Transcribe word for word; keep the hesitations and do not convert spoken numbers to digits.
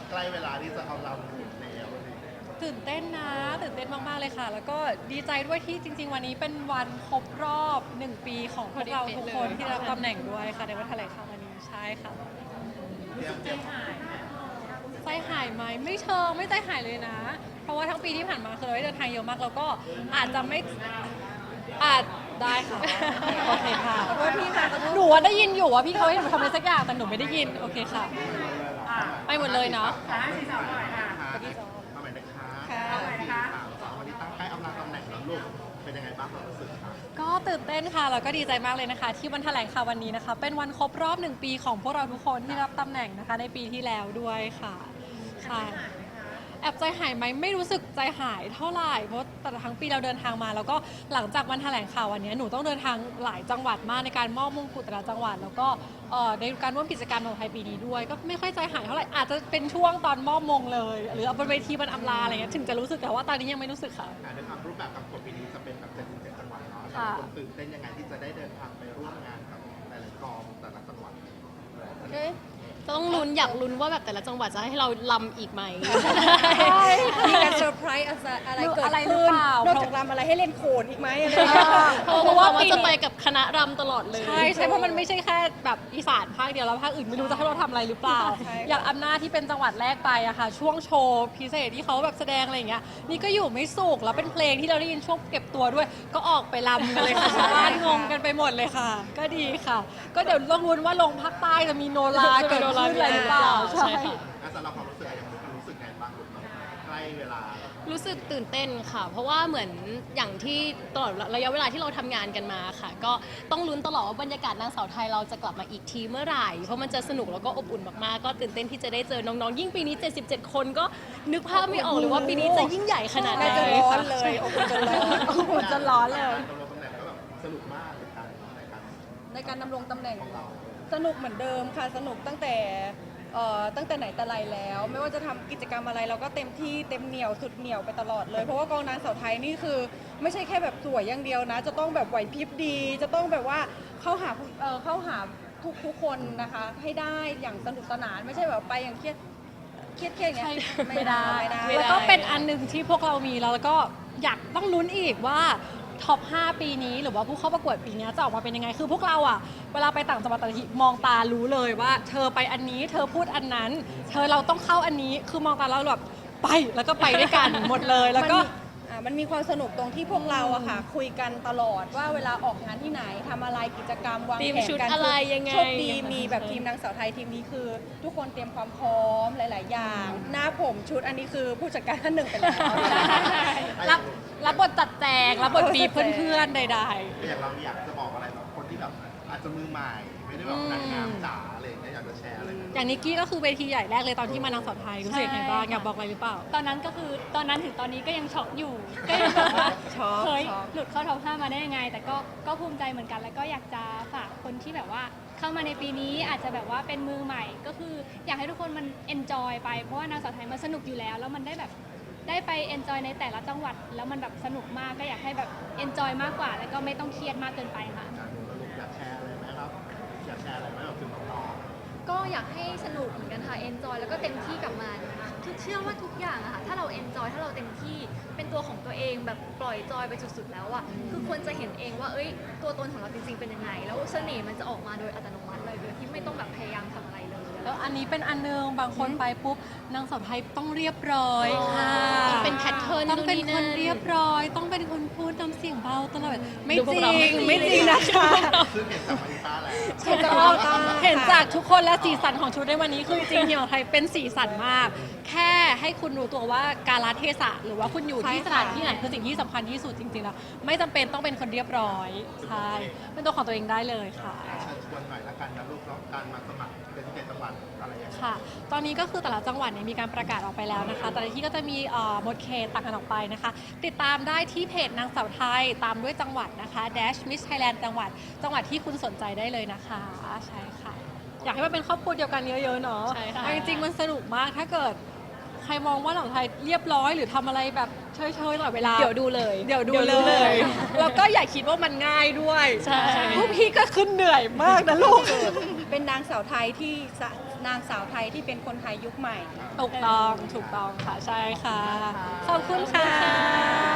ใกล้เวลาที่จะเอาเราหมุนแล้วตื่นเต้นนะตื่นเต้นมากๆเลยค่ะ แล้วก็ดีใจด้วยที่จริงๆวันนี้เป็นวันครบรอบหนึ่งปีของพวกเราทุกคนที่ได้รับตำแหน่งด้วยค่ะในวันแถลงข่าววันนี้ใช่ค่ะเตรียมเตรียมใจหายไหมไม่เชิงไม่ใจหายเลยนะ เพราะว่าทั้งปีที่ผ่านมาคือเราได้เดินทางเยอะมากแล้วก็อาจจะไม่อาจได้ค่ะโอเคค่ะหนูว่าได้ยินอยู่ว่าพี่เขาให้หนูทำอะไรสักอย่างแต่หนูไม่ได้ยินโอเคค่ะไปหมดเลยเนาะค่ะสี่สามหน่อยค่ะเอาใหม่นะคะค่ะสี่สามสองวันนี้ตั้งใกล้อำลาตำแหน่งแล้วลูกเป็นยังไงบ้างความรู้สึกคะก็ตื่นเต้นค่ะแล้วก็ดีใจมากเลยนะคะ ที่วันแถลงข่าววันนี้นะคะ เป็นวันครบรอบหนึ่งปีของพวกเราทุกคนที่รับตำแหน่งนะคะ ในปีที่แล้วด้วยค่ะค่ะแอบใจหายไหมไม่รู้สึกใจหายเท่าไหร่เพราะแต่ละทั้งปีเราเดินทางมา แล้วก็หลังจากวันแถลงข่าววันนี้หนูต้องเดินทางหลายจังหวัดมากในการมอบมงกุฎแต่ละจังหวัด แล้วก็เอ่อในการร่วมกิจกรรมของไทยปีนี้ด้วย ก็ไม่ค่อยใจหายเท่าไหร่อาจจะเป็นช่วงตอนมอบมงเลย หรือเอาบนเวทีมันอำลาอะไรเงี้ยถึงจะรู้สึกแต่ว่าตอนนี้ยังไม่รู้สึกค่ะอ่าในความรูปแบบกับกฎปีนี้จะเป็นแบบเจ็ดสิบเจ็ดจังหวัดเนาะค่ะคนตื่นเต้นยังไงที่จะได้เดินทางไปร่วมงานกับหลายๆกองแต่ละจังหวัดต้องลุ้นอยากลุ้นว่าแบบแต่ละจังหวัดจะให้เราลำอีกไหมมีการเซอร์ไพรส์อะไรเกิดอะไรหรือขึ้นเปล่านอกจากรำอะไรให้เล่นโขนอีกไหมอะไรอย่างเงี้ยเพราะว่ามันจะไปกับคณะรำตลอดเลยใช่ใช่เพราะมันไม่ใช่แค่แบบอีสานภาคเดียวแล้วภาคอื่นไม่รู้จะให้เราทำอะไรหรือเปล่าใช่อย่างอำนาจที่เป็นจังหวัดแรกไปอะค่ะ ช่วงโชว์พิเศษที่เขาแบบแสดงอะไรอย่างเงี้ยนี่ก็อยู่ไม่สุขแล้วเป็นเพลงที่เราได้ยินช่วงเก็บตัวด้วย ก็ออกไปรำกันเลยค่ะชาวบ้านงงกันไปหมดเลยค่ะ ก็ดีค่ะ ก็เดี๋ยวต้องลุ้นว่าลงภาคใต้จะมีโนราเกิดขึ้นอะไรหรือเปล่าใช่ค่ะอ่ะสำหรับความรู้สึกอะไรอย่างรู้สึกไงบ้างลูกใกล้เวลารู้สึกตื่นเต้นค่ะ เพราะว่าเหมือนอย่างที่ตลอดระยะเวลาที่เราทำงานกันมาค่ะ ก็ต้องลุ้นตลอดว่าบรรยากาศนางสาวไทยเราจะกลับมาอีกทีเมื่อไหร่ เพราะมันจะสนุกแล้วก็อบอุ่นมากๆ ก็ตื่นเต้นที่จะได้เจอน้องๆ ยิ่งปีนี้ เจ็ดสิบเจ็ด คนก็นึกภาพไม่ออกเลยว่าปีนี้จะยิ่งใหญ่ขนาดไหนน่าจะร้อนเลยโอ้โหจะร้อนโอ้โหจะร้อนเลยการดำรงตำแหน่งก็แบบสนุกมากในการในการในการดำรงตำแหน่งของเราสนุกเหมือนเดิมค่ะสนุกตั้งแต่เอ่อตั้งแต่ไหนแต่ไรแล้ว ไม่ว่าจะทำกิจกรรมอะไรเราก็เต็มที่เต็มเหนียวสุดเหนียวไปตลอดเลยเพราะว่ากองนางสาวไทยนี่คือไม่ใช่แค่แบบสวยอย่างเดียวนะ จะต้องแบบไหวพริบดี จะต้องแบบว่าเข้าหาผู้เอ่อเข้าหาทุกทุกคนนะคะ ให้ได้อย่างสนุกสนานไม่ใช่แบบไปอย่างเครียดเครียดเครียดอย่างเงี้ยไม่ได้ไม่ได้แล้วก็เป็นอันหนึ่งที่พวกเรามีแล้วแล้วก็อยากต้องลุ้นอีกว่าท็อปห้าปีนี้หรือว่าผู้เข้าประกวดปีนี้จะออกมาเป็นยังไง คือพวกเราอะเวลาไปต่างจังหวัดแต่ละทีมองตารู้เลยว่า เธอไปอันนี้เธอพูดอันนั้น เธอเราต้องเข้าอันนี้คือมองตาแล้วแบบไปแล้วก็ไปด้วยกัน หมดเลยแล้วก็มันมีอ่ามันมีความสนุกตรงที่พวกเราอะค่ะคุยกันตลอดว่าเวลาออกงานที่ไหนทำอะไรกิจกรรมวางทีมแผนชุดกันอะไรยังไงโชคดีมีแบบทีมนางสาวไทยทีมนี้คือ ทุกคนเตรียมความพร้อมหลาย ๆ อย่าง หน้าผมชุดอันนี้คือผู้จัดการท่านหนึ่งไปแล้วรับรับบทจัดแจงรับบทบีบเพื่อนๆใดอย่างเราอยากจะบอกอะไรแบบคนที่แบบอาจจะมือใหม่ ไม่ได้แบบนางงามจ๋าอะไรอย่างเงี้ยอยากจะแชร์อะไรไหมๆ อย่างนิกกี้ก็คือเวทีใหญ่แรกเลยตอนที่มานางสาวไทยรู้สึกยังไงบ้างอยากบอกอะไรหรือเปล่าตอนนั้นก็คือตอนนั้นถึงตอนนี้ก็ยังช็อกอยู่ ก็ยังแบบว่าช็อกเฮ้ยช็อกหลุดเข้าท็อปห้ามาได้ยังไง แต่ก็ก็ภูมิใจเหมือนกัน แล้วก็อยากจะฝากคนที่แบบว่าเข้ามาในปีนี้อาจจะแบบว่าเป็นมือใหม่ ก็คืออยากให้ทุกคนมันเอนจอยไปเพราะว่านางสาวไทยมันสนุกอยู่แล้ว แล้วมันได้แบบได้ไปเอนจอยในแต่ละจังหวัด แล้วมันแบบสนุกมากก็อยากให้แบบเอนจอยมากกว่า แล้วก็ไม่ต้องเครียดมากเกินไปค่ะการดูสรุปอยากแชร์อะไรไหมครับ อยากแชร์อะไรไหมแบบถึงน้องก็อยากให้สนุกเหมือนกันค่ะ เอนจอยแล้วก็เต็มที่กับมันทุกเชื่อว่าทุกอย่างอะค่ะ ถ้าเราเอนจอยถ้าเราเต็มที่เป็นตัวของตัวเองแบบปล่อยจอยไปสุดๆแล้วอะคือคนจะเห็นเองว่า เอ้ย ตัวตนของเราจริงๆเป็นยังไง แล้วเสน่ห์มันจะออกมาโดยอัตโนมัติเลยโดยที่ไม่ต้องแบบพยายามทำอะไรเลยแล้วอันนี้เป็นอันนึงบางคนไปปุ๊บนางสาวไทยต้องเรียบร้อยค่ะต้องเป็นแพทเทิร์นต้องเป็นนู่นนี่คนนั่นเรียบร้อย ต้องเป็นคนพูดน้ำเสียงเบาตลอดไม่ดูจพวริกเรางไม่จริงนะคะๆซึ่งเห็นจากมาริต้าแล้วเห็นจากเราตาเห็นจากทุกคนและสีสันของชุดในวันนี้คือจริงๆทีมของไทยเป็นสีสันมาก แค่ให้คุณรู้ตัวว่าการละเทศะหรือว่าคุณอยู่ที่ใช่สค่ะถานที่ไหนคือสิ่งที่สำคัญที่สุดจริงๆแล้วไม่จำเป็นต้องเป็นคนเรียบร้อยใช่เป็นตัวของตัวเองได้เลยค่ะเชิญชวนหน่อยละกันนะลูกเนาะการมาสมัครเป็นที่เจ็ดจังหวัดอะไรอย่างเงี้ยค่ะ ตอนนี้ก็คือแต่ละจังหวัดเนี่ยมีการประกาศออกไปแล้วนะคะ แต่ละที่ก็จะมีเอ่อหมดเขตต่างกันออกไปนะคะ ติดตามได้ที่เพจนางสาวไทย ตามด้วยจังหวัดนะคะ Dash Miss Thailand จังหวัด จังหวัดที่คุณสนใจได้เลยนะคะ ใช่ค่ะ อยากให้มันเป็นครอบครัวเดียวกันเยอะๆเนาะใช่ค่ะเอาจริงๆมันสนุกมาก ถ้าเกิดใครมองว่าหนังไทยเรียบร้อยหรือทำอะไรแบบเฉยๆตลอดเวลาเดี๋ยวดูเลยเดี๋ยวดูเดี๋ยวเลดูเลย ยแล้วก็อย่าคิดว่ามันง่ายด้วยใช่พวกพี่ก็ขึ้นเหนื่อยมากนะลูกเป็นนางสาวไทยที่สะนางสาวไทยที่เป็นคนไทยยุคใหม่ถูกต้องถูกต้องค่ะใช่ค่ะ ขอบคุณค่ะ